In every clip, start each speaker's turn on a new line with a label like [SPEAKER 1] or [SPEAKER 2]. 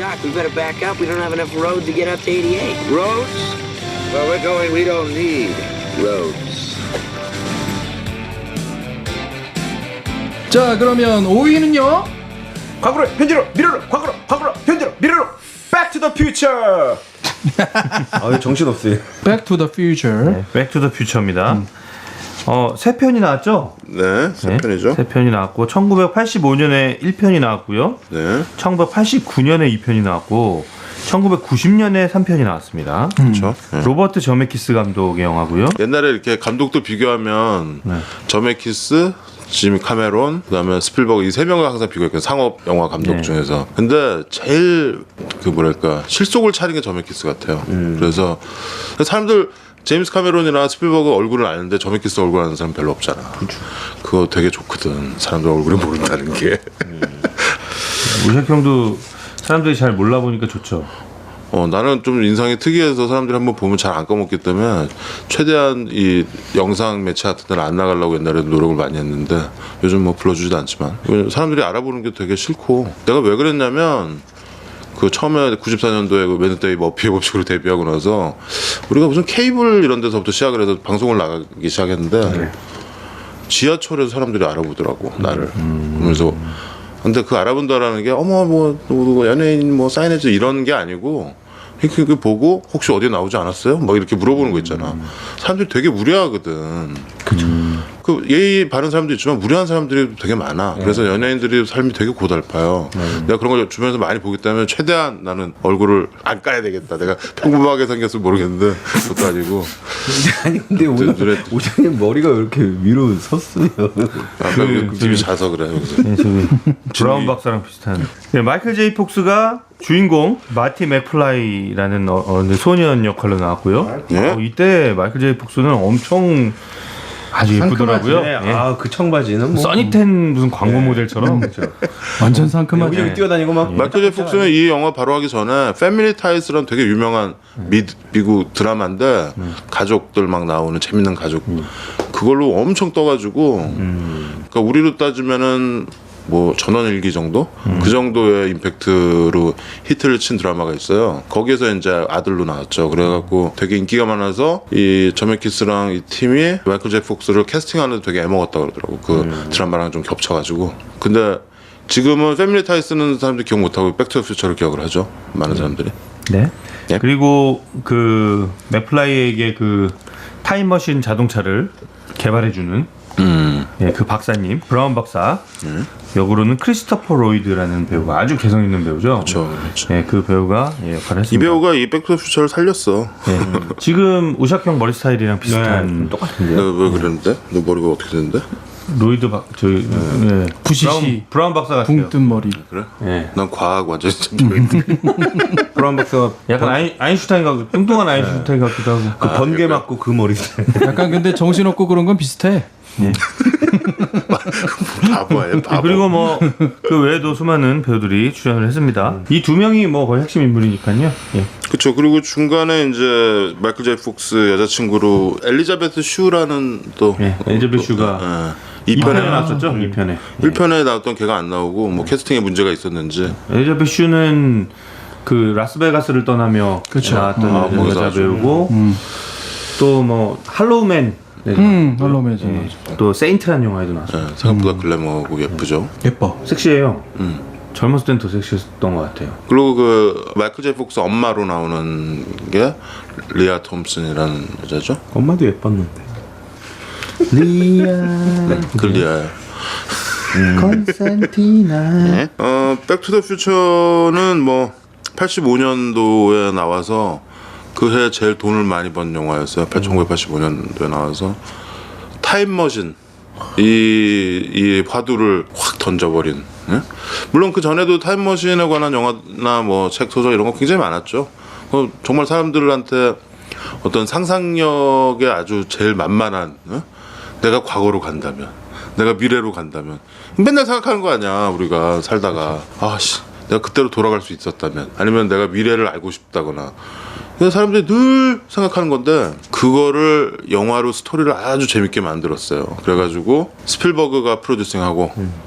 [SPEAKER 1] Doc, we better back up. We don't have enough road to get up to 88.
[SPEAKER 2] Roads? Where we're going, we don't need roads.
[SPEAKER 3] 자, 그러면 5위는요?
[SPEAKER 4] 과거로 현재로 미래로 과거로 현재로 미래로 Back to the Future. 아, 정신 없어요.
[SPEAKER 3] Back to the Future.
[SPEAKER 4] 네, Back to the Future입니다. 세 편이 나왔죠?
[SPEAKER 5] 네, 세 편이죠.
[SPEAKER 4] 세 편이 나왔고 1985년에 1편이 나왔고요.
[SPEAKER 5] 네.
[SPEAKER 4] 1989년에 2편이 나왔고 1990년에 3편이 나왔습니다.
[SPEAKER 5] 그렇죠. 네.
[SPEAKER 4] 로버트 저메키스 감독의 영화고요.
[SPEAKER 5] 옛날에 이렇게 감독도 비교하면 저메키스, 지미 카메론, 그다음에 스필버그 이 세 명을 항상 비교했거든요. 상업 영화 감독 중에서. 근데 제일 그 뭐랄까 실속을 차린 게 저메키스 같아요. 그래서 사람들 제임스 카메론이나 스필버그 얼굴을 아는데 저메키스 얼굴 아는 사람 별로 없잖아. 그거 되게 좋거든. 사람들 얼굴을 모른다는 게.
[SPEAKER 4] 우샥 형도 사람들이 잘 몰라보니까 좋죠.
[SPEAKER 5] 나는 좀 인상이 특이해서 사람들이 한번 보면 잘 안 까먹기 때문에 최대한 이 영상 매체 같은 데는 안 나가려고 옛날에 노력을 많이 했는데 요즘 뭐 불러주지도 않지만 사람들이 알아보는 게 되게 싫고 내가 왜 그랬냐면 그 처음에 94년도에 그 웨드데이 머피의 법칙으로 데뷔하고 나서 우리가 무슨 케이블 이런 데서부터 시작을 해서 방송을 나가기 시작했는데 지하철에서 사람들이 알아보더라고 나를. 그래서 근데 그 알아본다라는 게 어머 뭐 연예인 뭐 사인해줘 이런 게 아니고 이렇게 보고 혹시 어디에 나오지 않았어요? 뭐 이렇게 물어보는 거 있잖아. 사람들이 되게 무례하거든. 그죠. 그 예의 바른 사람도 있지만 무례한 사람들이 되게 많아. 그래서 연예인들이 삶이 되게 고달파요. 내가 그런 걸 주변에서 많이 보기 때문에 최대한 나는 얼굴을 안 까야 되겠다. 내가 평범하게 생겼으면 모르겠는데 그것도 아니고.
[SPEAKER 6] 아니 근데 오늘 오장님 머리가 왜 이렇게 위로 섰어요?
[SPEAKER 5] 그 집이 자서 그래.
[SPEAKER 4] 네, 저기 브라운 박사랑 비슷한. 네, 마이클 제이 폭스가 주인공 마티 맥플라이라는 소년 역할로 나왔고요. 이때 마이클 제이 폭스는 엄청 아주 예쁘더라고요.
[SPEAKER 6] 그 청바지는 뭐
[SPEAKER 4] 써니텐 무슨 광고 모델처럼
[SPEAKER 3] 완전 상큼하죠.
[SPEAKER 6] 여기 뛰어다니고 막.
[SPEAKER 5] 마이클 제이 폭스는 이 영화 바로 하기 전에 패밀리 타이스라는 되게 유명한 미국 드라마인데 가족들 막 나오는 재밌는 가족 그걸로 엄청 떠가지고 그러니까 우리로 따지면은 뭐 전원일기 정도? 그 정도의 임팩트로 히트를 친 드라마가 있어요. 거기에서 이제 아들로 나왔죠. 그래갖고 되게 인기가 많아서 이 저메키스랑 이 팀이 마이클 제이 폭스를 캐스팅하는데 되게 애먹었다 그러더라고. 그 드라마랑 좀 겹쳐가지고. 근데 지금은 패밀리 타이 쓰는 사람들이 기억 못하고 백투더퓨처를 기억을 하죠. 많은 사람들이.
[SPEAKER 4] 네.
[SPEAKER 5] 예?
[SPEAKER 4] 그리고 그 맥플라이에게 그 타임머신 자동차를 개발해주는 그 박사님 브라운 박사 역으로는 크리스토퍼 로이드라는 배우가 아주 개성 있는 배우죠.
[SPEAKER 5] 그렇죠.
[SPEAKER 4] 네, 그 배우가 역할을 했습니다.
[SPEAKER 5] 이 배우가 이 백투더퓨처를 살렸어.
[SPEAKER 4] 네. 지금 우샥 형 머리 스타일이랑 비슷한
[SPEAKER 6] 똑같은데요?
[SPEAKER 5] 내가 왜 그랬는데? 너 머리가 어떻게 됐는데?
[SPEAKER 4] 로이드 저희
[SPEAKER 3] 부시시
[SPEAKER 4] 브라운 박사 같아요.
[SPEAKER 3] 붕 뜬 머리.
[SPEAKER 5] 그래?
[SPEAKER 4] 네.
[SPEAKER 5] 난 과학 완전히 좀
[SPEAKER 6] 브라운 박사가
[SPEAKER 4] 약간 아인슈타인 같고 뚱뚱한 아인슈타인 같기도 하고.
[SPEAKER 6] 그 번개 맞고 그 머리 스타일.
[SPEAKER 3] 약간 근데 정신없고 그런 건 비슷해.
[SPEAKER 5] 바보야, 바보.
[SPEAKER 4] 그리고 뭐 그 외에도 수많은 배우들이 출연을 했습니다. 이 두 명이 뭐 거의 핵심 인물이니까요. 예.
[SPEAKER 5] 그렇죠. 그리고 중간에 이제 마이클 제이 폭스 여자친구로 엘리자베트 슈라는 또
[SPEAKER 4] 엘리자베트 슈가
[SPEAKER 5] 2편에
[SPEAKER 4] 나왔었죠. 2편에.
[SPEAKER 5] 1편에 나왔던 걔가 안 나오고 뭐 캐스팅에 문제가 있었는지.
[SPEAKER 4] 엘리자베트 슈는 그 라스베가스를 떠나며 나왔던 여자 배우고 또 뭐 할로우맨
[SPEAKER 3] 할로우맨
[SPEAKER 4] 또 세인트라는 영화에도 나왔어요.
[SPEAKER 5] 생각보다 글래머고 예쁘죠.
[SPEAKER 3] 예뻐.
[SPEAKER 4] 섹시해요. 젊었을 땐 더 섹시했던 것 같아요.
[SPEAKER 5] 그리고 그 마이클 제이 폭스 엄마로 나오는 게 리아 톰슨이라는 여자죠.
[SPEAKER 6] 엄마도 예뻤는데.
[SPEAKER 5] 그 리아야.
[SPEAKER 4] 컨센티나.
[SPEAKER 5] 백투더퓨처는 뭐 85년도에 나와서 그 해 제일 돈을 많이 번 영화였어요. 1985년도에 나와서 타임머신 이 화두를 확 던져버린. 예? 물론 그 전에도 타임머신에 관한 영화나 뭐 책 소설 이런 거 굉장히 많았죠. 정말 사람들한테 어떤 상상력에 아주 제일 만만한 내가 과거로 간다면 내가 미래로 간다면 맨날 생각하는 거 아니야. 우리가 살다가 아씨 내가 그때로 돌아갈 수 있었다면 아니면 내가 미래를 알고 싶다거나 사람들이 늘 생각하는 건데 그거를 영화로 스토리를 아주 재밌게 만들었어요. 그래가지고 스필버그가 프로듀싱하고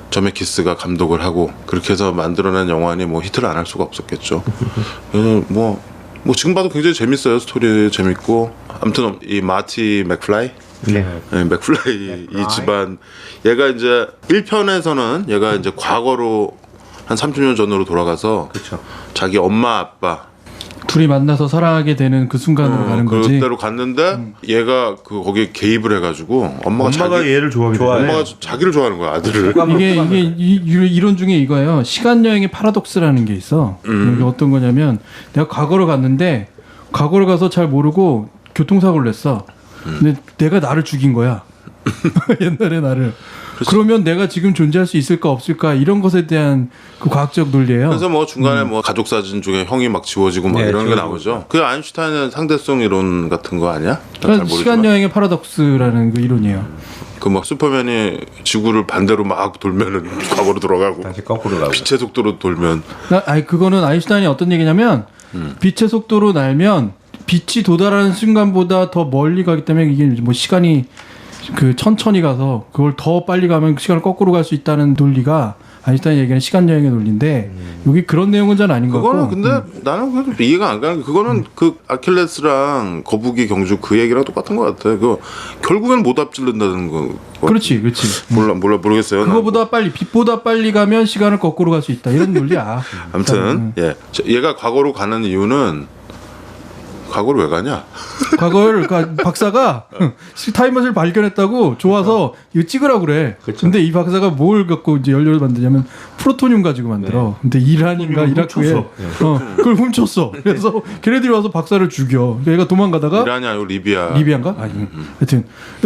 [SPEAKER 5] 저메키스가 감독을 하고 그렇게 해서 만들어낸 영화니 뭐 히트를 안 할 수가 없었겠죠. 그래서 뭐 지금 봐도 굉장히 재밌어요. 스토리 재밌고 아무튼 이 마티 맥플라이 네, 맥플라이 이 집안 얘가 이제 1편에서는 얘가 이제 과거로 한 30년 전으로 돌아가서
[SPEAKER 6] 그쵸.
[SPEAKER 5] 자기 엄마 아빠
[SPEAKER 3] 둘이 만나서 사랑하게 되는 그 순간으로 가는 거지.
[SPEAKER 5] 그때로 갔는데 얘가 그 거기에 개입을 해가지고 엄마가
[SPEAKER 4] 얘를 좋아하게 되네.
[SPEAKER 5] 엄마가 자기를 좋아하는 거야 아들을.
[SPEAKER 3] 이게 이론 중에 이거예요. 시간 여행의 파라독스라는 게 있어. 이게 어떤 거냐면 내가 과거로 갔는데 과거로 가서 잘 모르고 교통사고를 냈어. 근데 내가 나를 죽인 거야. 옛날에 나를. 그러면 내가 지금 존재할 수 있을까 없을까 이런 것에 대한 그 과학적 논리예요.
[SPEAKER 5] 그래서 뭐 중간에 뭐 가족 사진 중에 형이 막 지워지고 막 이런 게 나오죠. 그 아인슈타인의 상대성 이론 같은 거 아니야? 잘 모르지만.
[SPEAKER 3] 시간 여행의 파라독스라는 그 이론이에요.
[SPEAKER 5] 그 막 슈퍼맨이 지구를 반대로 막 돌면은 과거로 돌아가고
[SPEAKER 6] 다시 거꾸로 가고.
[SPEAKER 5] 빛의 속도로 돌면
[SPEAKER 3] 그거는 아인슈타인이 어떤 얘기냐면 빛의 속도로 날면 빛이 도달하는 순간보다 더 멀리 가기 때문에 이게 뭐 시간이 그 천천히 가서 그걸 더 빨리 가면 그 시간을 거꾸로 갈 수 있다는 논리가 아인슈타인이 얘기하는 시간 여행의 논리인데 여기 그런 내용은 잘 아닌 것 같고.
[SPEAKER 5] 그거는 근데 나는 그래도 이해가 안 가는 게 그거는 그 아킬레스랑 거북이 경주 그 얘기랑 똑같은 것 같아. 그 결국엔 못 앞질른다는 거.
[SPEAKER 3] 그렇지.
[SPEAKER 5] 모르겠어요.
[SPEAKER 3] 그거보다 빨리 빛보다 빨리 가면 시간을 거꾸로 갈 수 있다 이런 논리야.
[SPEAKER 5] 아무튼 예, 얘가 과거로 가는 이유는 과거로 왜 가냐?
[SPEAKER 3] 과거를 박사가 타임머신을 발견했다고 좋아서 이거 찍으라고 그래.
[SPEAKER 6] 그쵸.
[SPEAKER 3] 근데 이 박사가 뭘 갖고 이제 연료를 만드냐면 프로토늄 가지고 만들어. 근데 이란인가 이라크에 그걸 훔쳤어. 그래서 걔네들이 와서 박사를 죽여. 얘가 도망가다가
[SPEAKER 5] 이란이 아니고 리비아.
[SPEAKER 3] 리비안가? 하여튼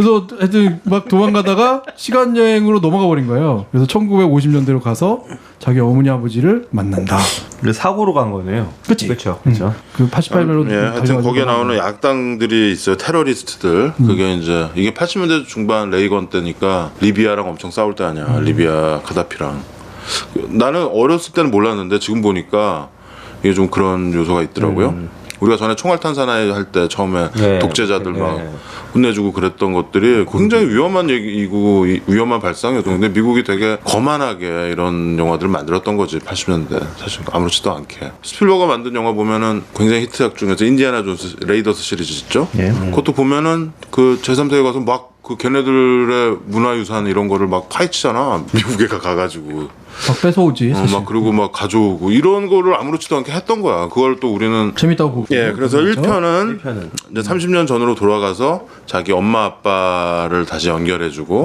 [SPEAKER 3] 막 도망가다가 시간 여행으로 넘어가 버린 거예요. 그래서 1950년대로 가서 자기 어머니 아버지를 만난다.
[SPEAKER 4] 근데 사고로 간 거네요.
[SPEAKER 3] 그치?
[SPEAKER 6] 그렇죠.
[SPEAKER 3] 그 88년으로
[SPEAKER 5] 예, 하여튼 거기에 나오는 약당들이 있어요. 테러리스트들. 그게 이제 이게 80년대 중반 레이건 때니까 리비아랑 엄청 싸울 때 아니야. 리비아 카다피랑. 나는 어렸을 때는 몰랐는데 지금 보니까 이게 좀 그런 요소가 있더라고요. 우리가 전에 총알탄 사나이 할 때 처음에 독재자들 막 혼내주고 그랬던 것들이 굉장히 위험한 얘기이고 위험한 발상이었던 건데 미국이 되게 거만하게 이런 영화들을 만들었던 거지 80년대 사실 아무렇지도 않게. 스필버거 만든 영화 보면은 굉장히 히트작 중에서 인디아나 존스 레이더스 시리즈 있죠. 그것도 보면은 그 제3세계 가서 막 그 걔네들의 문화유산 이런 거를 막 파헤치잖아. 미국에 가가지고
[SPEAKER 3] 막 뺏어오지. 사실.
[SPEAKER 5] 막 그리고 막 가져오고 이런 거를 아무렇지도 않게 했던 거야. 그걸 또 우리는
[SPEAKER 3] 재밌다고 보고.
[SPEAKER 5] 예, 그래서 1편은 이제 30년 전으로 돌아가서 자기 엄마 아빠를 다시 연결해주고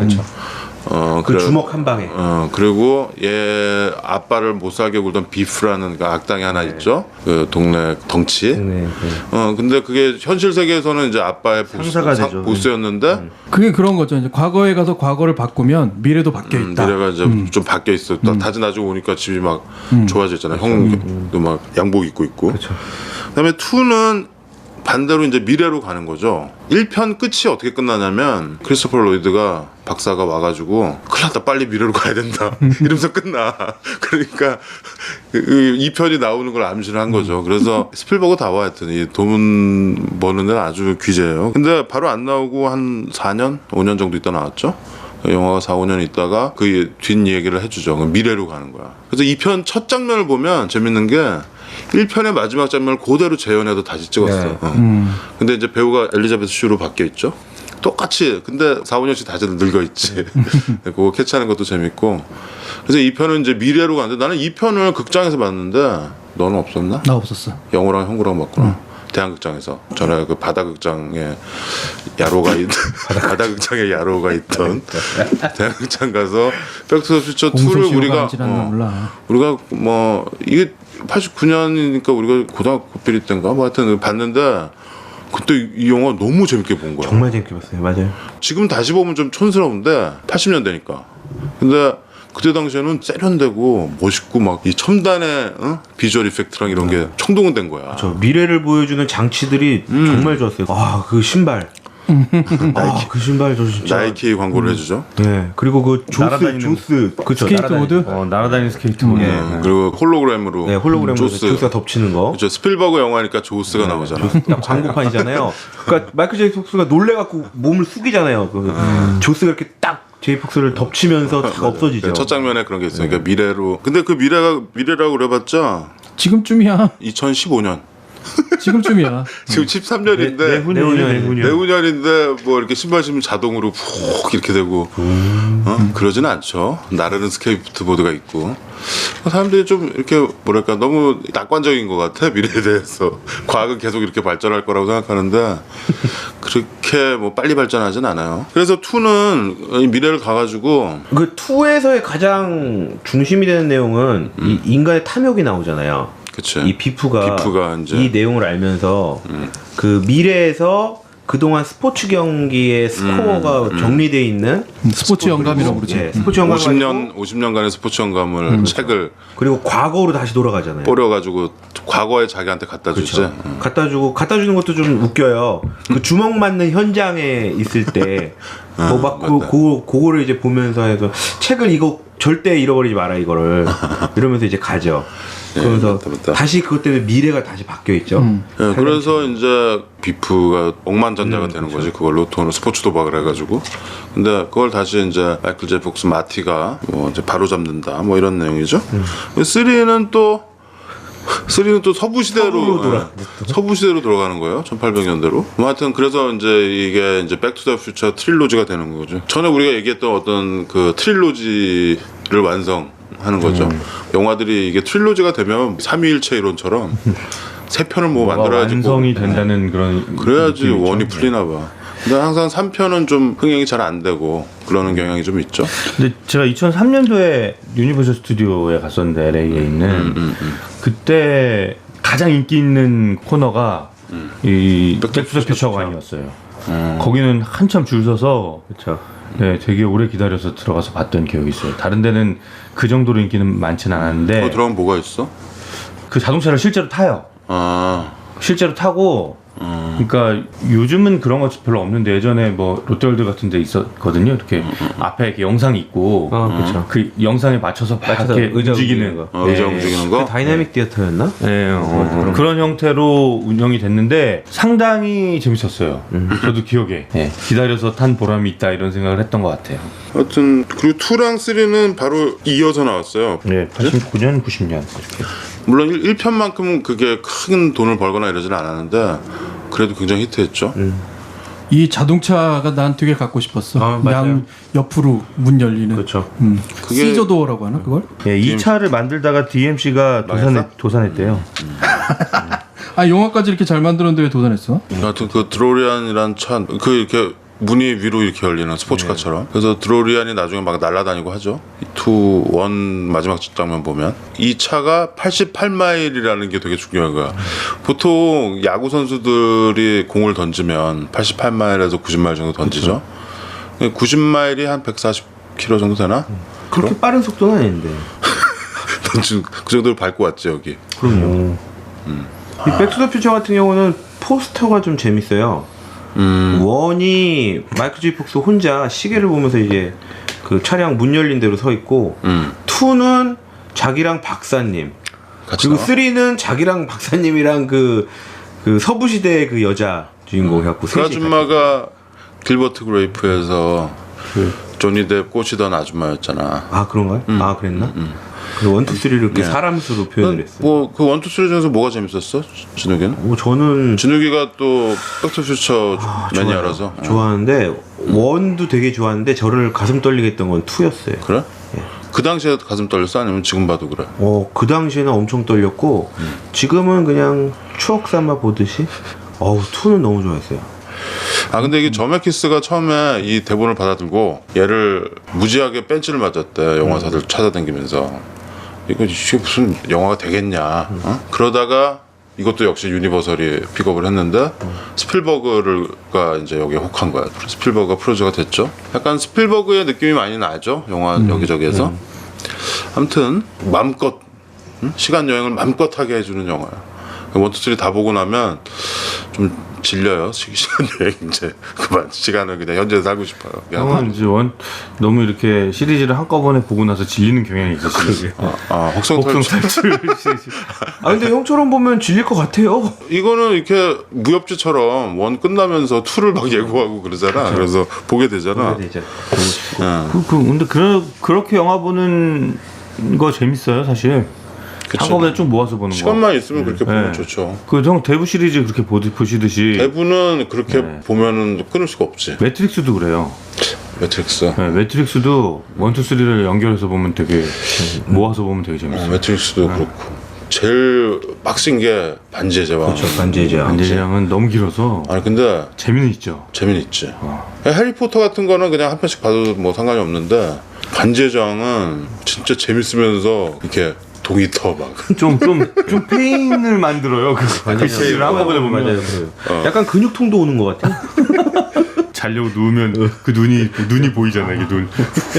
[SPEAKER 6] 그 주먹 한 방에.
[SPEAKER 5] 그리고 얘 아빠를 못 살게 굴던 비프라는 그 악당이 하나 있죠. 그 동네 덩치. 근데 그게 현실 세계에서는 이제 아빠의
[SPEAKER 4] 상사가 되죠.
[SPEAKER 5] 보스였는데
[SPEAKER 3] 그게 그런 거죠. 이제 과거에 가서 과거를 바꾸면 미래도 바뀌어 있다.
[SPEAKER 5] 미래가 이제 좀 바뀌어 있어. 다시 나중에 오니까 집이 막 좋아졌잖아. 형도 막 양복 입고 있고. 그다음에 2는 반대로 이제 미래로 가는 거죠. 1편 끝이 어떻게 끝나냐면 크리스토퍼 로이드가 박사가 와가지고 큰일 났다 빨리 미래로 가야 된다 이러면서 끝나. 그러니까 2편이 나오는 걸 암시를 한 거죠. 그래서 스필버그 다 와 하여튼 이 돈 버는 데는 아주 귀재예요. 근데 바로 안 나오고 한 4년? 5년 정도 있다 나왔죠. 영화가 4, 5년 있다가 그 뒷얘기를 해주죠. 미래로 가는 거야. 그래서 2편 첫 장면을 보면 재밌는 게 1편의 마지막 장면을 그대로 재현해서 다시 찍었어. 근데 이제 배우가 엘리자베스 슈로 바뀌어 있죠. 똑같이. 근데 4, 5년씩 다시 늙어 있지. 그거 캐치하는 것도 재밌고. 그래서 2편은 이제 미래로 가는데 나는 2편을 극장에서 봤는데 너는 없었나?
[SPEAKER 3] 나 없었어.
[SPEAKER 5] 영호랑 형구랑 봤구나. 대한극장에서 전에 그 바다극장에 야로가 바다극장에 야로가 있던 대한극장 가서 백투더 퓨처 2를 우리가 뭐 이게 89년이니까 우리가 고등학교 비리 때인가 뭐 하여튼 봤는데 그때 이 영화 너무 재밌게 본 거야.
[SPEAKER 6] 정말 재밌게 봤어요. 맞아요.
[SPEAKER 5] 지금 다시 보면 좀 촌스러운데 80년대니까. 근데 그때 당시에는 세련되고 멋있고 막 이 첨단의 비주얼 이펙트랑 이런 게 총동원 된 거야.
[SPEAKER 6] 저 미래를 보여주는 장치들이 정말 좋았어요. 그 신발. 그 신발 저 진짜
[SPEAKER 5] 나이키 광고를 해주죠.
[SPEAKER 6] 네. 그리고 그 조스 그쵸,
[SPEAKER 3] 스케이트보드.
[SPEAKER 4] 날아다니는 스케이트보드.
[SPEAKER 5] 그리고 홀로그램으로
[SPEAKER 6] 조스가 덮치는 거.
[SPEAKER 5] 그렇죠. 스필버그 영화니까 조스가 나오잖아.
[SPEAKER 6] 광고판이잖아요. 그러니까 마이클 제이 폭스가 놀래갖고 몸을 숙이잖아요. 조스가 이렇게 딱 제이폭스를 덮치면서 다 없어지죠.
[SPEAKER 5] 첫 장면에 그런 게 있어요. 그러니까 미래로. 근데 그 미래라고 그래봤자
[SPEAKER 3] 지금쯤이야.
[SPEAKER 5] 2015년.
[SPEAKER 3] 지금쯤이야.
[SPEAKER 5] 지금 13년인데 내후년인데 뭐 이렇게 신발 신으면 자동으로 푹 이렇게 되고 그러지는 않죠. 나르는 스케이트보드가 있고 사람들이 좀 이렇게 뭐랄까 너무 낙관적인 것 같아. 미래에 대해서 과학은 계속 이렇게 발전할 거라고 생각하는데 그렇게 뭐 빨리 발전하진 않아요. 그래서 2는 미래를 가가지고
[SPEAKER 6] 그 2에서의 가장 중심이 되는 내용은 이 인간의 탐욕이 나오잖아요.
[SPEAKER 5] 그치.
[SPEAKER 6] 이 비프가
[SPEAKER 5] 이제
[SPEAKER 6] 이 내용을 알면서 그 미래에서 그동안 스포츠 경기의 스코어가 정리되어 있는
[SPEAKER 3] 스포츠 영감이라고 그러지.
[SPEAKER 6] 예, 스포츠 영감
[SPEAKER 5] 50년간의 스포츠 영감을 책을
[SPEAKER 6] 그리고 과거로 다시 돌아가잖아요.
[SPEAKER 5] 뿌려가지고 과거에 자기한테 갖다 주지.
[SPEAKER 6] 그렇죠. 갖다 주는 것도 좀 웃겨요. 그 주먹 맞는 현장에 있을 때 그거를 이제 보면서 해서 책을 이거 절대 잃어버리지 마라 이거를 이러면서 이제 가죠. 그러면서
[SPEAKER 5] 맞다.
[SPEAKER 6] 다시 그것 때문에 미래가 다시 바뀌어 있죠.
[SPEAKER 5] 네, 그래서 이제 비프가 억만장자가 되는 거지. 그걸로 돈을 스포츠 도박을 해가지고. 근데 그걸 다시 이제 마이클 제이 폭스 마티가 뭐 이제 바로 잡는다. 뭐 이런 내용이죠. 3는 또 서부 시대로 서부 시대로 돌아가는 거예요. 1800년대로. 뭐 하여튼 그래서 이제 이게 이제 백 투 더 퓨처 트릴로지가 되는 거죠. 전에 우리가 얘기했던 어떤 그 트릴로지를 완성하는 거죠. 영화들이 이게 트릴로지가 되면 삼위일체 이론처럼 세 편을 뭐 만들어야지
[SPEAKER 4] 완성이 된다는 그런
[SPEAKER 5] 그래야지
[SPEAKER 4] 느낌이죠.
[SPEAKER 5] 원이 풀리나 봐. 근데 항상 3편은 좀 흥행이 잘 안 되고 그러는 경향이 좀 있죠.
[SPEAKER 4] 근데 제가 2003년도에 유니버설 스튜디오에 갔었는데 LA에 있는 그때 가장 인기 있는 코너가 이 백투더 퓨처관이었어요. 거기는 한참 줄 서서
[SPEAKER 6] 그렇죠.
[SPEAKER 4] 네, 되게 오래 기다려서 들어가서 봤던 기억이 있어요. 다른 데는 그 정도로 인기는 많지는 않았는데
[SPEAKER 5] 들어가면 뭐가 있어?
[SPEAKER 4] 그 자동차를 실제로 타요. 실제로 타고 그러니까 요즘은 그런 거 별로 없는데 예전에 뭐 롯데월드 같은 데 있었거든요. 이렇게 앞에 이렇게 영상이 있고
[SPEAKER 6] 그렇죠.
[SPEAKER 4] 그 영상에 맞춰서 막 이렇게
[SPEAKER 6] 의자
[SPEAKER 4] 움직이는
[SPEAKER 6] 거.
[SPEAKER 5] 의자 움직이는 거?
[SPEAKER 6] 다이나믹 디어터였나?
[SPEAKER 4] 네, 그런 형태로 운영이 됐는데 상당히 재밌었어요. 저도 기억에 기다려서 탄 보람이 있다 이런 생각을 했던 것 같아요.
[SPEAKER 5] 하여튼 그리고 2랑 3는 바로 이어서 나왔어요.
[SPEAKER 4] 네, 89년, 90년 이렇게.
[SPEAKER 5] 물론 1편만큼 그게 큰 돈을 벌거나 이러지는 않았는데 그래도 굉장히 히트했죠.
[SPEAKER 3] 이 자동차가 난 되게 갖고 싶었어.
[SPEAKER 6] 맞아요.
[SPEAKER 3] 양 옆으로 문 열리는.
[SPEAKER 6] 그렇죠.
[SPEAKER 5] 그게-
[SPEAKER 3] 시저도어라고 하나 그걸?
[SPEAKER 4] 네, 이 차를 만들다가 DMC가 도산했대요.
[SPEAKER 3] 아 영화까지 이렇게 잘 만들었는데 왜 도전했어?
[SPEAKER 5] 하여튼 그 드로리안이란 차 그 이렇게 문이 위로 이렇게 열리는 스포츠카처럼. 그래서 드로리안이 나중에 막 날아다니고 하죠. 2, 1 마지막 장면 보면 이 차가 88마일이라는 게 되게 중요한 거야. 보통 야구 선수들이 공을 던지면 88마일에서 90마일 정도 던지죠. 90마일이 한 140km 정도 되나?
[SPEAKER 6] 그렇게 빠른 속도는 아닌데.
[SPEAKER 5] 던진 그 정도로 밟고 왔지 여기.
[SPEAKER 6] 그럼요. 이 백투더 퓨처 같은 경우는 포스터가 좀 재밌어요. 원이 마이클 제이 폭스 혼자 시계를 보면서 이제 그 차량 문 열린 대로 서 있고, 2는 자기랑 박사님,
[SPEAKER 5] 같이
[SPEAKER 6] 그리고
[SPEAKER 5] 나와?
[SPEAKER 6] 3는 자기랑 박사님이랑 그 서부시대의 그 여자 주인공 해갖고
[SPEAKER 5] 그
[SPEAKER 6] 셋이
[SPEAKER 5] 아줌마가 길버트 그레이프에서 조니 뎁 꼬시던 아줌마였잖아.
[SPEAKER 6] 아 그런가요? 아 그랬나? 그 1, 2, 3를 이렇게 사람 수로 표현을 했어요.
[SPEAKER 5] 뭐그 1, 2, 3 중에서 뭐가 재밌었어? 진욱이는?
[SPEAKER 6] 저는
[SPEAKER 5] 진욱이가 또 백투퓨처 매니아라서
[SPEAKER 6] 좋아하는데 1도 되게 좋아하는데 저를 가슴 떨리게 했던 건 2였어요.
[SPEAKER 5] 그래? 그 당시에 가슴 떨렸어? 아니면 지금 봐도 그래?
[SPEAKER 6] 그 당시에는 엄청 떨렸고 지금은 그냥 추억 삼아 보듯이 2는 너무 좋아했어요.
[SPEAKER 5] 아 근데 이게 저메키스가 처음에 이 대본을 받아들고 얘를 무지하게 벤치를 맞았대. 영화사들 찾아다니면서 이게 무슨 영화가 되겠냐. 어? 그러다가 이것도 역시 유니버설이 픽업을 했는데 스필버그가 이제 여기에 혹한 거야. 스필버그가 프로듀서가 됐죠. 약간 스필버그의 느낌이 많이 나죠. 영화 여기저기에서. 아무튼 마음껏 시간 여행을 맘껏 하게 해주는 영화야. 1, 2, 3 다 보고 나면 좀 질려요. 시간 여행 이제 그만 시간을 그냥 현재에 살고 싶어요.
[SPEAKER 4] 형은 이제 너무 이렇게 시리즈를 한꺼번에 보고 나서 질리는 경향이 있으시죠.
[SPEAKER 5] 혹성 탈출.
[SPEAKER 6] 근데 형처럼 보면 질릴 것 같아요.
[SPEAKER 5] 이거는 이렇게 무협지처럼 1 끝나면서 2를 막 예고하고 그러잖아. 그래서 보게 되잖아.
[SPEAKER 4] 근데 그렇게 영화 보는 거 재밌어요, 사실.
[SPEAKER 5] 그쵸.
[SPEAKER 4] 한꺼번에 쭉 모아서 보는 거.
[SPEAKER 5] 시간만 있으면 그렇게 보면
[SPEAKER 4] 네.
[SPEAKER 5] 좋죠.
[SPEAKER 4] 형 대부 시리즈 그렇게 보시듯이.
[SPEAKER 5] 대부는 그렇게
[SPEAKER 4] 네.
[SPEAKER 5] 보면은 끊을 수가 없지.
[SPEAKER 4] 매트릭스도 그래요.
[SPEAKER 5] 매트릭스.
[SPEAKER 4] 네, 매트릭스도 1, 2, 3를 연결해서 보면 되게 모아서 보면 되게 재밌어요.
[SPEAKER 5] 매트릭스도 그렇고. 제일 빡센 게 반지의 제왕.
[SPEAKER 6] 그렇죠. 반지의 제왕.
[SPEAKER 4] 반지의제왕은 너무 길어서
[SPEAKER 5] 아니 근데
[SPEAKER 4] 재미는 있죠.
[SPEAKER 5] 재미는 있지. 해리포터 같은 거는 그냥 한 편씩 봐도 뭐 상관이 없는데 반지의 제왕은 진짜 재밌으면서 이렇게 동이 터 막.
[SPEAKER 4] 좀 페인을 만들어요. 그 시리즈를 한꺼번에 보면.
[SPEAKER 6] 맞아요. 약간 근육통도 오는 것 같아.
[SPEAKER 4] 자려고 누우면 그 눈이 보이잖아, 이게 눈.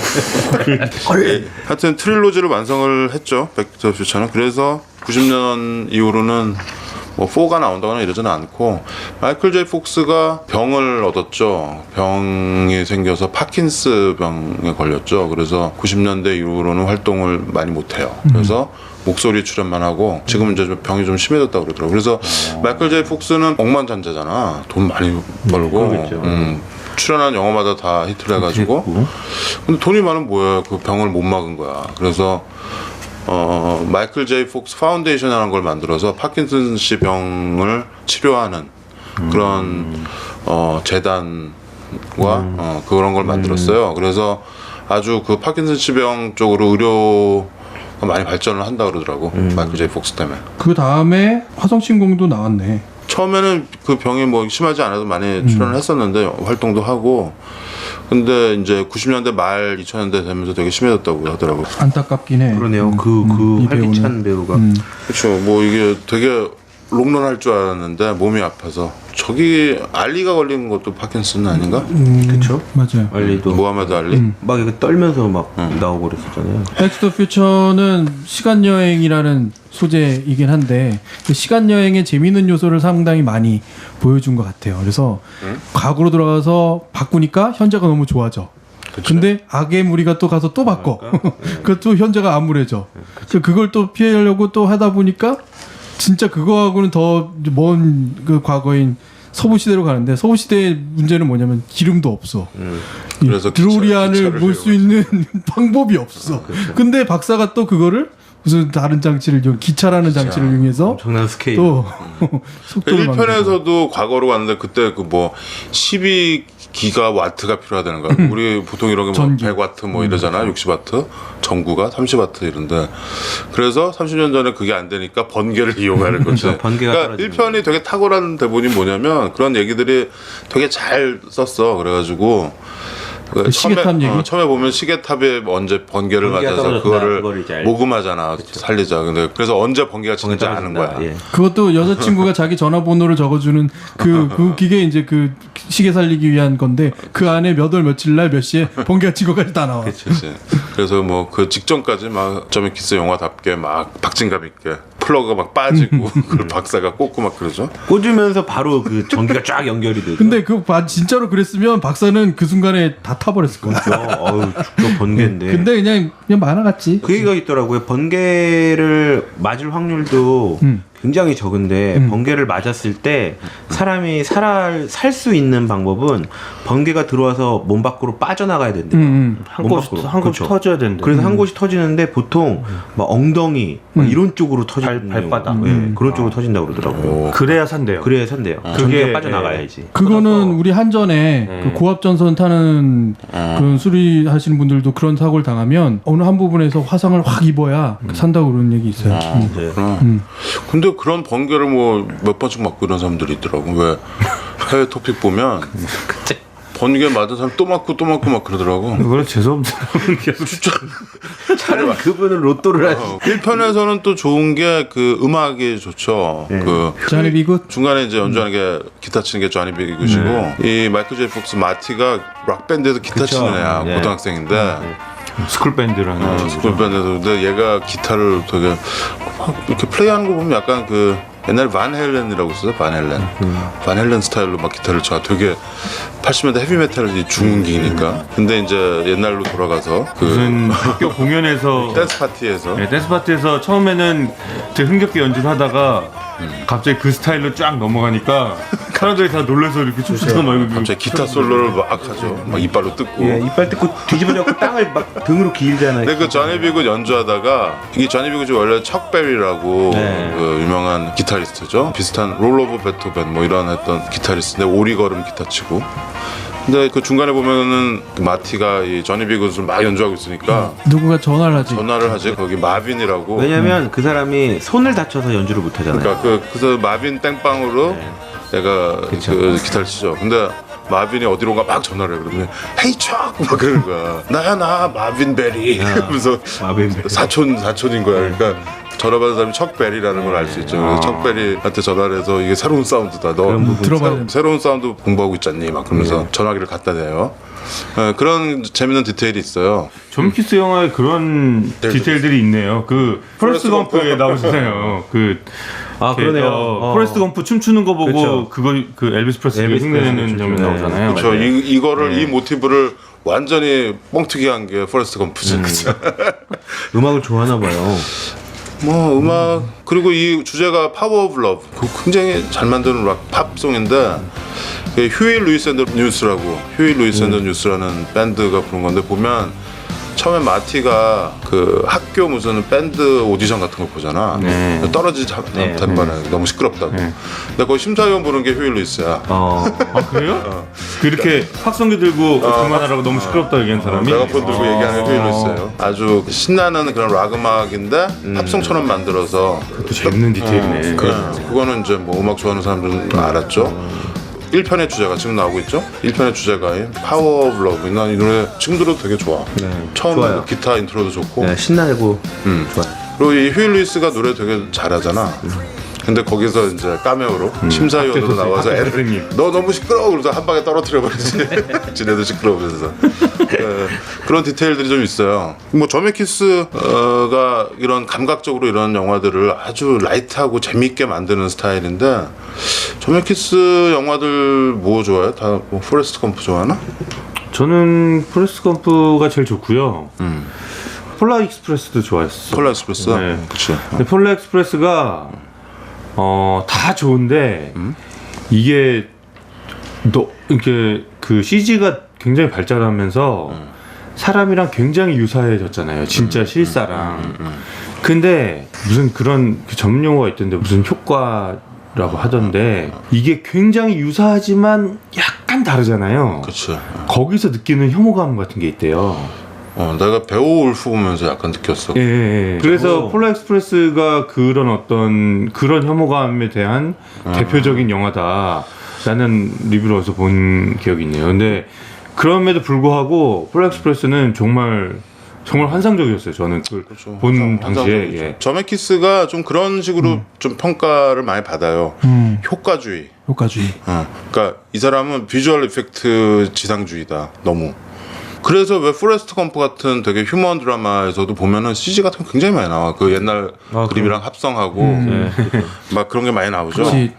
[SPEAKER 5] 하여튼 트릴로지를 완성을 했죠. 백투더 퓨처는. 그래서 90년 이후로는 뭐 4가 나온다거나 이러지는 않고 마이클 제이 폭스가 병을 얻었죠. 병이 생겨서 파킨스 병에 걸렸죠. 그래서 90년대 이후로는 활동을 많이 못해요. 그래서 목소리 출연만 하고 지금은 이제 병이 좀 심해졌다고 그러더라고요. 그래서 마이클 제이 폭스는 억만장자잖아. 돈 많이 벌고
[SPEAKER 6] 그러겠죠.
[SPEAKER 5] 출연한 영화마다 다 히트를 해가지고 근데 돈이 많으면 뭐야. 그 병을 못 막은 거야. 그래서 마이클 제이 폭스 파운데이션이라는 걸 만들어서 파킨슨 씨 병을 치료하는 그런 재단과 그런 걸 만들었어요. 그래서 아주 그 파킨슨 씨 병 쪽으로 의료가 많이 발전을 한다 그러더라고. 마이클 제이 폭스 때문에.
[SPEAKER 3] 그 다음에 화성신공도 나왔네.
[SPEAKER 5] 처음에는 그 병이 뭐 심하지 않아도 많이 출연을 했었는데 활동도 하고 근데 이제 90년대 말 2000년대 되면서 되게 심해졌다고 하더라고요.
[SPEAKER 3] 안타깝긴 해.
[SPEAKER 6] 그러네요.
[SPEAKER 3] 이
[SPEAKER 6] 활기찬 배우가.
[SPEAKER 5] 그렇죠. 뭐 이게 되게 롱런 할 줄 알았는데 몸이 아파서 저기 알리가 걸린 것도 파킨슨 아닌가?
[SPEAKER 6] 그쵸?
[SPEAKER 3] 맞아요.
[SPEAKER 6] 알리도
[SPEAKER 5] 모하메드 알리?
[SPEAKER 6] 막 이렇게 떨면서 막 나오고 그랬었잖아요.
[SPEAKER 3] 백투더 퓨처는 시간 여행이라는 소재이긴 한데 그 시간 여행의 재미있는 요소를 상당히 많이 보여준 것 같아요. 그래서 과거로 돌아가서 바꾸니까 현재가 너무 좋아져. 근데 악의 무리가 또 가서 또 바꿔. 그것도 현재가 암울해져. 그걸 또 피하려고 또 하다 보니까 진짜 그거하고는 더 먼 그 과거인 서부 시대로 가는데 서부 시대의 문제는 뭐냐면 기름도 없어.
[SPEAKER 5] 그래서
[SPEAKER 3] 드로리안을 몰 수 있는 방법이 없어. 근데 박사가 또 그거를 무슨 다른 장치를 기차라는 장치를 이용해서
[SPEAKER 6] 엄청난 스케일.
[SPEAKER 3] 또 속도를
[SPEAKER 5] 1편에서도 과거로 갔는데 그때 그 뭐 12기가와트가 필요하다는 거야. 우리 보통 이런 게 뭐
[SPEAKER 3] 전기.
[SPEAKER 5] 100와트 뭐 이러잖아. 60와트. 전구가 30와트 이런데. 그래서 30년 전에 그게 안 되니까 번개를 이용하는 거지.
[SPEAKER 6] 그렇죠. 번개가
[SPEAKER 5] 그러니까
[SPEAKER 6] 떨어지는
[SPEAKER 5] 1편이 되게 탁월한 대본이 뭐냐면 그런 얘기들이 되게 잘 썼어. 그래가지고
[SPEAKER 3] 그 시계탑 얘기?
[SPEAKER 5] 처음에 보면 시계탑에 언제 번개를
[SPEAKER 6] 번개가
[SPEAKER 5] 맞아서
[SPEAKER 6] 떨어졌다.
[SPEAKER 5] 그거를
[SPEAKER 6] 그걸 이제 알죠.
[SPEAKER 5] 모금하잖아. 살리자. 근데 그래서 언제 번개가 진짜 하는 거야.
[SPEAKER 6] 예.
[SPEAKER 3] 그것도 여자친구가 자기 전화번호를 적어주는 그 기계 이제 그 시계 살리기 위한 건데 그 안에 몇 월 며칠 날 몇 시에 번개가 지고까지 다 나와.
[SPEAKER 5] 그치. 그래서 뭐 그 직전까지 막 점의 키스 영화답게 막 박진감 있게 플러그가 막 빠지고 그걸 박사가 꽂고 막 그러죠.
[SPEAKER 6] 꽂으면서 바로 그 전기가 쫙 연결이 되죠.
[SPEAKER 3] 근데 진짜로 그랬으면 박사는 그 순간에 다 타버렸을 거야.
[SPEAKER 6] 어우 죽도 번개인데.
[SPEAKER 3] 근데 그냥 만화 같지.
[SPEAKER 6] 그 얘기가 있더라고요. 번개를 맞을 확률도 굉장히 적은데 번개를 맞았을 때 사람이 살 수 있는 방법은 번개가 들어와서 몸 밖으로 빠져나가야 된대요.
[SPEAKER 4] 한 곳이 터져야 된대.
[SPEAKER 6] 그래서 한 곳이 터지는데 보통 막 엉덩이 막 이런 쪽으로 터지는
[SPEAKER 4] 발바닥.
[SPEAKER 6] 네, 그런 쪽으로 터진다고 그러더라고요.
[SPEAKER 4] 그래야 산대요.
[SPEAKER 6] 그래야 산대요.
[SPEAKER 4] 그게,
[SPEAKER 6] 전기가 빠져나가야지.
[SPEAKER 3] 그거는 우리 한전에 그 고압전선 타는 그런 수리하시는 분들도 그런 사고를 당하면 어느 한 부분에서 화상을 확 입어야 산다고 그런 얘기 있어요.
[SPEAKER 6] 네.
[SPEAKER 5] 근데 그런 번개를 뭐 몇 번씩 맞고 이런 사람들이 있더라고. 왜 해외 토픽 보면 번개 맞은 사람 또 맞고 막 그러더라고.
[SPEAKER 4] 그걸 재수없는 사람은 계속
[SPEAKER 6] 차라리 그분은 로또를 하지.
[SPEAKER 5] 1편에서는 또 좋은 게 그 음악이 좋죠. 그
[SPEAKER 3] 자니 비굿
[SPEAKER 5] 중간에 이제 연주하는 게 기타 치는 게 조니 비굿이고 이 마이클 제이 폭스 마티가 락 밴드에서 기타
[SPEAKER 6] 그쵸.
[SPEAKER 5] 치는 애야.
[SPEAKER 6] 네.
[SPEAKER 4] 스쿨밴드를 하는
[SPEAKER 5] 스쿨밴드에서 근데 얘가 기타를 되게 막 이렇게 플레이하는 거 보면 약간 그 옛날 반 헬렌이라고 있었어. 반 헬렌 스타일로 막 기타를 쳐. 되게 80년대 헤비메탈이 중흥기니까. 근데 이제 옛날로 돌아가서 그
[SPEAKER 4] 무슨 학교 공연에서
[SPEAKER 5] 댄스 파티에서
[SPEAKER 4] 댄스 파티에서 처음에는 되게 흥겹게 연주를 하다가 갑자기 그 스타일로 쫙 넘어가니까 사람들이 다 놀라서 이렇게 춤추다가 막
[SPEAKER 5] 갑자기 기타 솔로를 막 하죠. 막 이빨로 뜯고.
[SPEAKER 6] 예, 이빨 뜯고 뒤집어져고 땅을 막 등으로 기일잖아요.
[SPEAKER 5] 근데 그 조니 비굿 연주하다가 이게 조니 비굿이 원래 척 베리라고
[SPEAKER 6] 네.
[SPEAKER 5] 그 유명한 기타리스트죠. 비슷한 롤 오브 베토벤 뭐 이런 했던 기타리스트인데 오리걸음 기타 치고. 근데 그 중간에 보면은 그 마티가 이 조니 비굿을 막 연주하고 있으니까
[SPEAKER 3] 누군가 전화를 하지.
[SPEAKER 5] 전화를 하지. 거기 마빈이라고.
[SPEAKER 6] 왜냐면 그 사람이 손을 다쳐서 연주를 못 하잖아요.
[SPEAKER 5] 그러니까 그래서 마빈 땡빵으로 내가
[SPEAKER 6] 그쵸.
[SPEAKER 5] 그 기타를 치죠. 근데 마빈이 어디론가 막 전화를 해. 그러면 헤이 척! 막 그러는 거야. 나야 나 마빈 베리. 그러면서
[SPEAKER 6] 마빈 베리.
[SPEAKER 5] 사촌인 거야. 그러니까 전화 받은 사람이 척 베리라는 걸 알 수 있죠. 그래서 척 베리한테 전화를 해서 이게 새로운 사운드다. 너
[SPEAKER 6] 그런 부분
[SPEAKER 3] 들어봐야 돼.
[SPEAKER 5] 새로운 사운드 공부하고 있잖니. 막 그러면서 전화기를 갖다 대요. 그런 재밌는 디테일이 있어요.
[SPEAKER 4] 존 키스 영화에 그런 디테일들이 있네요. 그 포레스트 검프에 나오잖아요. 그
[SPEAKER 6] 아, 그러네요.
[SPEAKER 4] 포레스트 검프 춤추는 거 보고
[SPEAKER 6] 그쵸.
[SPEAKER 4] 그거 그 엘비스 프레슬리
[SPEAKER 6] 엘비스
[SPEAKER 4] 흉내내는
[SPEAKER 6] 프레슬리
[SPEAKER 4] 장면
[SPEAKER 6] 춤추네.
[SPEAKER 4] 나오잖아요.
[SPEAKER 5] 그렇죠.
[SPEAKER 4] 맞아요.
[SPEAKER 5] 이 모티브를 완전히 뻥튀기 한 게 포레스트 검프지. 그죠?
[SPEAKER 6] 음악을 좋아하나 봐요.
[SPEAKER 5] 뭐 음악 그리고 이 주제가 파워 오브 러브 굉장히 잘 만드는 락 팝송인데 휴일 루이스 앤더 뉴스라고 휴일 루이스 앤더 뉴스라는 밴드가 부른 건데 보면 처음에 마티가 그 학교 무슨 밴드 오디션 같은 거 보잖아.
[SPEAKER 4] 네.
[SPEAKER 5] 떨어지지 않다는 거는 너무 시끄럽다고. 근데 거기 심사위원 부른 게 휴일 루이스야.
[SPEAKER 4] 아 그래요? 그렇게 확성기 들고 그만하라고 너무 시끄럽다 얘기한 사람이
[SPEAKER 5] 메가폰 들고 얘기하는 게 휴일 루이스예요. 아주 신나는 그런 락 음악인데 팝송처럼 만들어서
[SPEAKER 4] 또 재밌는 디테일이네.
[SPEAKER 5] 그거는 이제 뭐 음악 좋아하는 사람들은 알았죠. 1편의 주제가 지금 나오고 있죠. 1편의 주제가인 파워 오브 러브. 난 이 노래 지금 들어도 되게 좋아. 처음
[SPEAKER 6] 좋아요.
[SPEAKER 5] 기타 인트로도 좋고.
[SPEAKER 6] 네, 신나고 좋아요.
[SPEAKER 5] 그리고 이 휴일 루이스가 노래 되게 잘하잖아. 근데 거기서 이제 카메오로 심사위원으로 나와서 애를
[SPEAKER 4] 선생님.
[SPEAKER 5] 너 너무 시끄러워 그래서 한 방에 떨어뜨려 버리지. 지네도 시끄러우면서 그런 디테일들이 좀 있어요. 뭐 저메키스가 이런 감각적으로 이런 영화들을 아주 라이트하고 재미있게 만드는 스타일인데 저메키스 영화들 뭐 좋아해? 다 뭐 포레스트 검프 좋아하나?
[SPEAKER 4] 저는 포레스트 검프가 제일 좋고요. 폴라 익스프레스도 좋아했어.
[SPEAKER 5] 폴라 익스프레스?
[SPEAKER 4] 네.
[SPEAKER 5] 그치.
[SPEAKER 4] 근데 폴라 익스프레스가 다 좋은데 이게 이렇게 그 CG가 굉장히 발전하면서 사람이랑 굉장히 유사해졌잖아요. 진짜 실사랑. 근데 무슨 그런 그 전문 용어가 있던데 무슨 효과라고 하던데 이게 굉장히 유사하지만 약간 다르잖아요.
[SPEAKER 5] 그치.
[SPEAKER 4] 거기서 느끼는 혐오감 같은 게 있대요.
[SPEAKER 5] 내가 베오울프 보면서 약간 느꼈어.
[SPEAKER 4] 예. 그래서 폴라 익스프레스가 그런 어떤 그런 혐오감에 대한 대표적인 영화다라는 리뷰를 어디서 본 기억이 있네요. 근데 그럼에도 불구하고 폴라 익스프레스는 정말 환상적이었어요. 저는 그걸 본 당시에. 예.
[SPEAKER 5] 저메키스가 좀 그런 식으로 좀 평가를 많이 받아요. 효과주의.
[SPEAKER 3] 효과주의.
[SPEAKER 5] 그러니까 이 사람은 비주얼 이펙트 지상주의다. 너무. 그래서 왜 포레스트 검프 같은 되게 휴먼 드라마에서도 보면은 CG 같은 거 굉장히 많이 나와. 그 옛날 그림이랑 합성하고 막 그런 게 많이 나오죠.
[SPEAKER 3] 그렇지.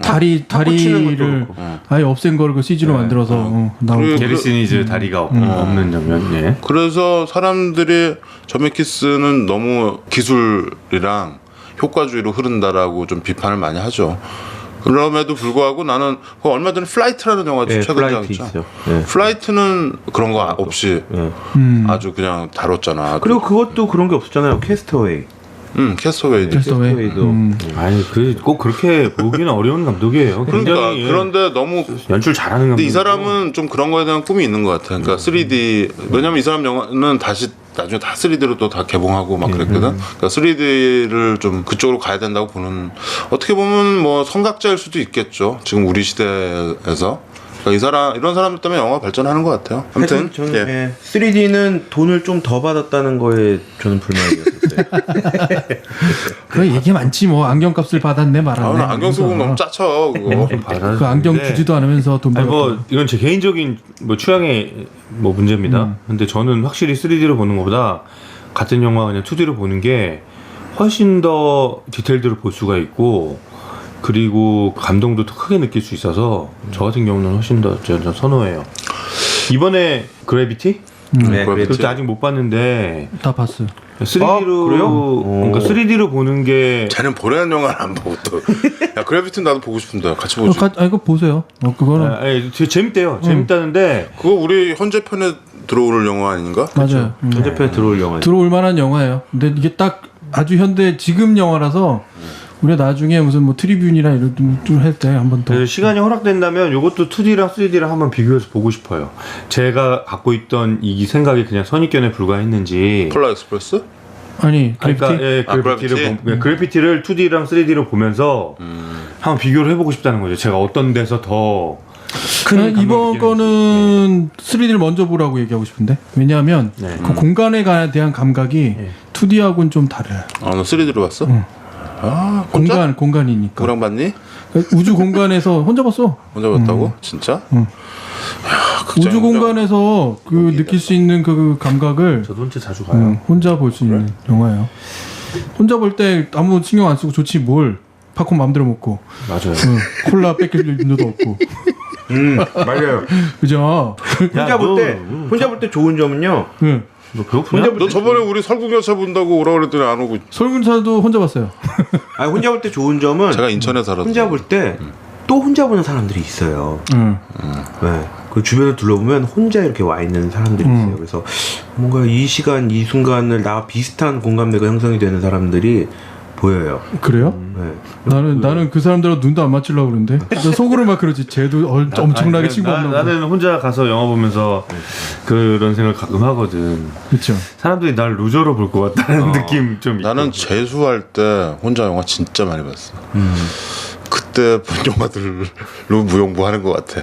[SPEAKER 3] 다리를 아예 없앤 거를 그 CG로 만들어서 나오고.
[SPEAKER 5] 그리고
[SPEAKER 4] 게리시니즈 다리가 없는 장면. 예.
[SPEAKER 5] 그래서 사람들이 저메키스는 너무 기술이랑 효과주의로 흐른다라고 좀 비판을 많이 하죠. 그럼에도 불구하고 나는 얼마 전에 플라이트라는 영화도
[SPEAKER 6] 예,
[SPEAKER 5] 최근에
[SPEAKER 6] 플라이트
[SPEAKER 5] 나왔죠.
[SPEAKER 6] 있죠. 예.
[SPEAKER 5] 플라이트는 그런 거 없이 아주 그냥 다뤘잖아.
[SPEAKER 6] 그리고 그것도 그런 게 없었잖아요. 캐스터웨이.
[SPEAKER 5] 캐스터웨이도.
[SPEAKER 6] 캐스터웨이도.
[SPEAKER 4] 아니 꼭 그렇게 보기는 어려운 감독이에요.
[SPEAKER 5] 그러니까
[SPEAKER 4] 굉장히
[SPEAKER 5] 그런데 너무
[SPEAKER 4] 연출 잘하는 감독.
[SPEAKER 5] 근데 이 사람은 좀 그런 거에 대한 꿈이 있는 것 같아. 그러니까 3D 왜냐면 이 사람 영화는 다시 나중에 다 3D로 또 다 개봉하고 막 그랬거든. 그러니까 3D를 좀 그쪽으로 가야 된다고 보는 어떻게 보면 뭐 성각자일 수도 있겠죠. 지금 우리 시대에서. 그러니까 이런 사람들 때문에 영화가 발전하는 것 같아요. 아무튼
[SPEAKER 6] 저는 예. 3D는 돈을 좀 더 받았다는 거에 저는 불만이었어요.
[SPEAKER 3] 그 얘기 많지 뭐 안경값을 받았네 말았네.
[SPEAKER 5] 나 안경 쓰고 너무 짜쳐 그거.
[SPEAKER 3] 그 안경 주지도 않으면서 돈
[SPEAKER 4] 아니
[SPEAKER 3] 받았고.
[SPEAKER 4] 뭐 이건 제 개인적인 뭐 취향의 뭐 문제입니다. 근데 저는 확실히 3D로 보는 것보다 같은 영화 그냥 2D로 보는 게 훨씬 더 디테일들을 볼 수가 있고 그리고 감동도 더 크게 느낄 수 있어서 저 같은 경우는 훨씬 더 전 선호해요. 이번에 그래비티?
[SPEAKER 6] 네,
[SPEAKER 4] 그것도 아직 못 봤는데
[SPEAKER 3] 다 봤어요.
[SPEAKER 4] 3D로
[SPEAKER 6] 그래요?
[SPEAKER 4] 그러니까 3D로 보는 게
[SPEAKER 5] 쟤는 보라는 영화를 안 보고 또. 야 그래비티는 나도 보고 싶은데 같이 보지.
[SPEAKER 3] 이거 보세요. 그거는
[SPEAKER 4] 아니, 재밌대요. 재밌다는데
[SPEAKER 5] 그거 우리 현재편에 들어오는 영화 아닌가?
[SPEAKER 3] 맞아요.
[SPEAKER 6] 현재편에 들어올 영화.
[SPEAKER 3] 들어올 만한 영화예요. 근데 이게 딱 아주 현대 지금 영화라서 우리가 나중에 무슨 뭐 트리뷴이나 이런 좀 할 때 한번 더.
[SPEAKER 4] 그래서 시간이 허락된다면 이것도 2D랑 3D랑 한번 비교해서 보고 싶어요. 제가 갖고 있던 이 생각이 그냥 선입견에 불과했는지.
[SPEAKER 5] 폴라 익스프레스?
[SPEAKER 3] 아니 그래피티.
[SPEAKER 4] 그러니까 예, 그래피티를
[SPEAKER 5] 그래피티?
[SPEAKER 4] 그래피티를 2D랑 3D로 보면서 한번 비교를 해보고 싶다는 거죠. 제가 어떤 데서 더 큰
[SPEAKER 3] 이번 거는 3D를 먼저 보라고 얘기하고 싶은데 왜냐하면
[SPEAKER 4] 네.
[SPEAKER 3] 그 공간에 대한 감각이 2D하고는 좀 달라요.
[SPEAKER 5] 너 3D로 봤어? 아
[SPEAKER 3] 공간이니까.
[SPEAKER 5] 누구랑 봤니?
[SPEAKER 3] 우주 공간에서 혼자 봤어.
[SPEAKER 5] 혼자 봤다고? 진짜?
[SPEAKER 3] 응.
[SPEAKER 5] 야, 극장
[SPEAKER 3] 우주
[SPEAKER 5] 혼자
[SPEAKER 3] 공간에서 그 느낄 수 있는 그 감각을
[SPEAKER 4] 저도 혼자 자주 가요.
[SPEAKER 3] 혼자 볼 수 있는 영화예요. 혼자 볼 때 아무 신경 안 쓰고 좋지 뭘 팝콘 마음대로 먹고
[SPEAKER 4] 맞아요.
[SPEAKER 3] 콜라 뺏길 일도 없고
[SPEAKER 6] 맞아요.
[SPEAKER 3] 그죠?
[SPEAKER 6] 혼자 볼 때 좋은 점은요.
[SPEAKER 3] 응.
[SPEAKER 4] 너 배고프냐?
[SPEAKER 5] 너 저번에 우리 설국열차 본다고 오라 그랬더니 안 오고
[SPEAKER 3] 설문사도 혼자 봤어요.
[SPEAKER 6] 아니 혼자 볼 때 좋은 점은
[SPEAKER 5] 제가 인천에 살았어.
[SPEAKER 6] 혼자 볼 때 또 혼자 보는 사람들이 있어요.
[SPEAKER 3] 응.
[SPEAKER 6] 네. 그 주변을 둘러보면 혼자 이렇게 와 있는 사람들이 있어요. 그래서 뭔가 이 시간, 이 순간을 나와 비슷한 공감대가 형성이 되는 사람들이 보여요.
[SPEAKER 3] 그래요?
[SPEAKER 6] 네.
[SPEAKER 3] 나는 그 사람들하고 눈도 안 맞추려고 그러는데 나 속으로 막 그러지. 쟤도 엄청나게
[SPEAKER 4] 아니,
[SPEAKER 3] 친구 없나 보다.
[SPEAKER 4] 나는 혼자 가서 영화 보면서 그런 생각 가끔 하거든.
[SPEAKER 3] 그렇죠.
[SPEAKER 4] 사람들이 날 루저로 볼 것 같다는 느낌 좀.
[SPEAKER 5] 나는
[SPEAKER 4] 있거든.
[SPEAKER 5] 재수할 때 혼자 영화 진짜 많이 봤어. 그때 본 영화들로 무용부하는 것 같아.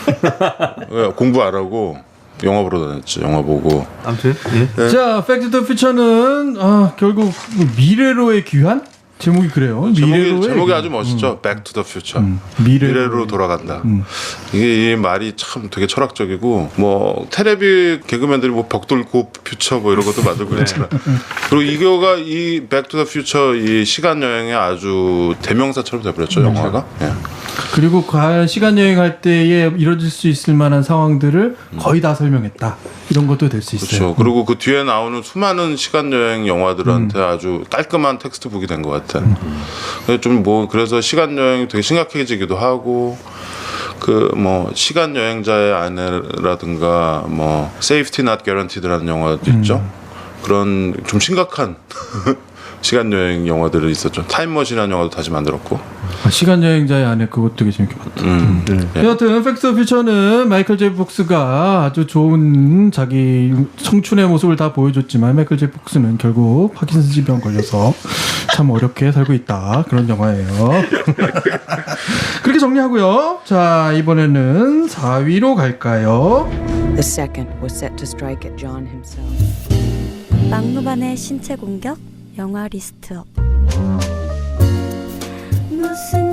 [SPEAKER 5] 왜, 공부 안 하고 영화 보러 다녔지. 영화 보고.
[SPEAKER 4] 아무튼 예.
[SPEAKER 3] 자, 팩트 더 퓨처는 결국 미래로의 귀환? 제목이 그래요.
[SPEAKER 5] 제목이 아주 멋있죠. Back to the Future. 미래로 돌아간다. 이게 이 말이 참 되게 철학적이고 뭐 테레비 개그맨들이 뭐 벽돌 고 퓨처 뭐 이런 것도 만들고 그랬잖아. 그리고 이거가 이 Back to the Future 이 시간 여행의 아주 대명사처럼 돼버렸죠 영화가. 예.
[SPEAKER 3] 그리고 과연 시간 여행할 때에 이뤄질 수 있을 만한 상황들을 거의 다 설명했다. 이런 것도 될 수 있어요.
[SPEAKER 5] 그렇죠. 그리고 그 뒤에 나오는 수많은 시간 여행 영화들한테 아주 깔끔한 텍스트북이 된 것 같아. 좀 뭐 그래서 시간 여행이 되게 심각해지기도 하고 그 뭐 시간 여행자의 아내라든가 뭐 Safety Not Guaranteed라는 영화도 있죠. 그런 좀 심각한 시간 여행 영화들이 있었죠. 타임머신이라는 영화도 다시 만들었고.
[SPEAKER 3] 시간 여행자의 아내 그것도 되게 재밌게 봤다. 여하튼 팩트 오브 퓨처는 마이클 제이 폭스가 아주 좋은 자기 청춘의 모습을 다 보여줬지만 마이클 제이 폭스는 결국 파킨슨 질병 걸려서 참 어렵게 살고 있다. 그런 영화예요. 그렇게 정리하고요. 자, 이번에는 4위로 갈까요?
[SPEAKER 7] The second was set to strike at John himself.
[SPEAKER 8] 막무반의 신체 공격 영화 리스트업. 무슨